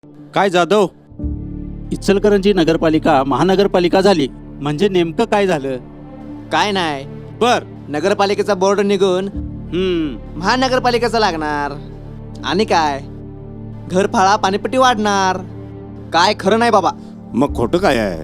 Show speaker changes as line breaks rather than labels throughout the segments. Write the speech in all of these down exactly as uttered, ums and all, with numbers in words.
काय जाधव, इचलकरंजी नगरपालिका महानगरपालिका झाली म्हणजे नेमकं काय झालं?
काय नाही,
बर.
नगरपालिकेचा बोर्ड निघून
हम्म.
महानगरपालिकेचा लागणार. आणि काय, घरफाळा पाणीपट्टी वाढणार. काय खरं नाही बाबा.
मग खोटं काय आहे?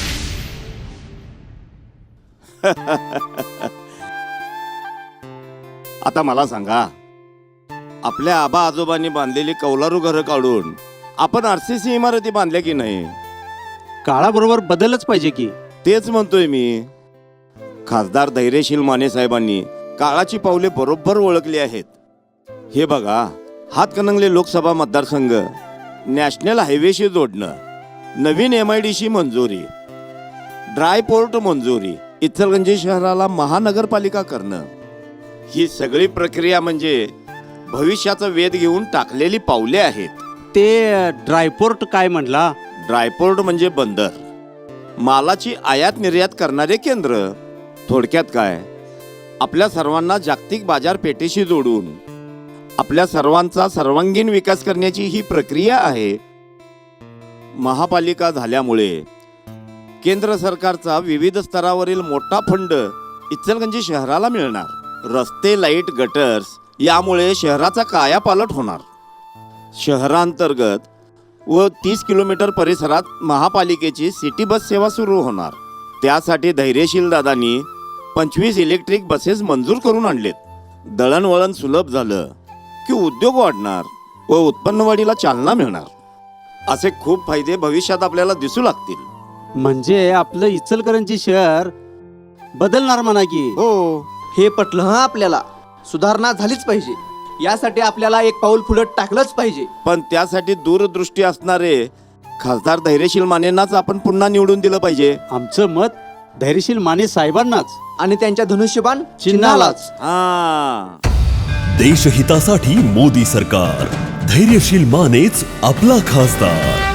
आता मला सांगा, आपल्या आबा आजोबांनी बांधलेली कौलारू घरं काढून आपण आरसीसी इमारती बांधल्या की नाही?
काळाबरोबर बदलच पाहिजे की.
तेच म्हणतोय मी. खासदार धैर्यशील माने साहेबांनी काळाची पावले बरोबर ओळखली आहेत. हे बघा, हातकणंगले लोकसभा मतदारसंघ नॅशनल हायवेशी जोडणं, नवीन एम आय डी सी मंजुरी, ड्राय पोर्ट मंजुरी, इचलकरंजी शहराला महानगरपालिका करणं, ही सगळी प्रक्रिया म्हणजे भविष्याचा वेध घेऊन टाकलेली पावले आहेत.
ते ड्रायपोर्ट काय म्हणला?
ड्रायपोर्ट म्हणजे बंदर, मालाची आयात निर्यात करणारे केंद्र. थोडक्यात काय, आपल्या सर्वांना जागतिक बाजारपेठेशी जोडून आपल्या सर्वांचा सर्वांगीण विकास करण्याची ही प्रक्रिया आहे. महापालिका झाल्यामुळे केंद्र सरकारचा विविध स्तरावरील मोठा फंड इचलकरंजी शहराला मिळणार. रस्ते, लाईट, गटर्स यामुळे शहराचा कायापालट होणार. शहरांतर्गत व तीस किलोमीटर परिसरात महापालिकेची सिटी बस सेवा सुरू होणार. त्यासाठी धैर्यशील दादांनी पंचवीस इलेक्ट्रिक बसेस मंजूर करून आणलेत. दळणवळण सुलभ झालं की उद्योग वाढणार व उत्पन्नवाढीला चालना मिळणार. असे खूप फायदे भविष्यात आपल्याला दिसू लागतील.
म्हणजे आपलं इचलकरंजी शहर बदलणार म्हणा की.
हो,
हे पटलं हं आपल्याला. सुधारणा झालीच पाहिजे. यासाठी आपल्याला एक पाऊल पुढे टाकलंच पाहिजे.
पण त्यासाठी दूरदृष्टी असणारे खासदार धैर्यशील मानेंनाच आपण पुन्हा निवडून दिलं पाहिजे.
आमचं मत धैर्यशील माने साहेबांनाच
आणि त्यांच्या धनुष्यबाण
चिन्हालाच.
हा,
देशहितासाठी मोदी सरकार. धैर्यशील मानेच आपला खासदार.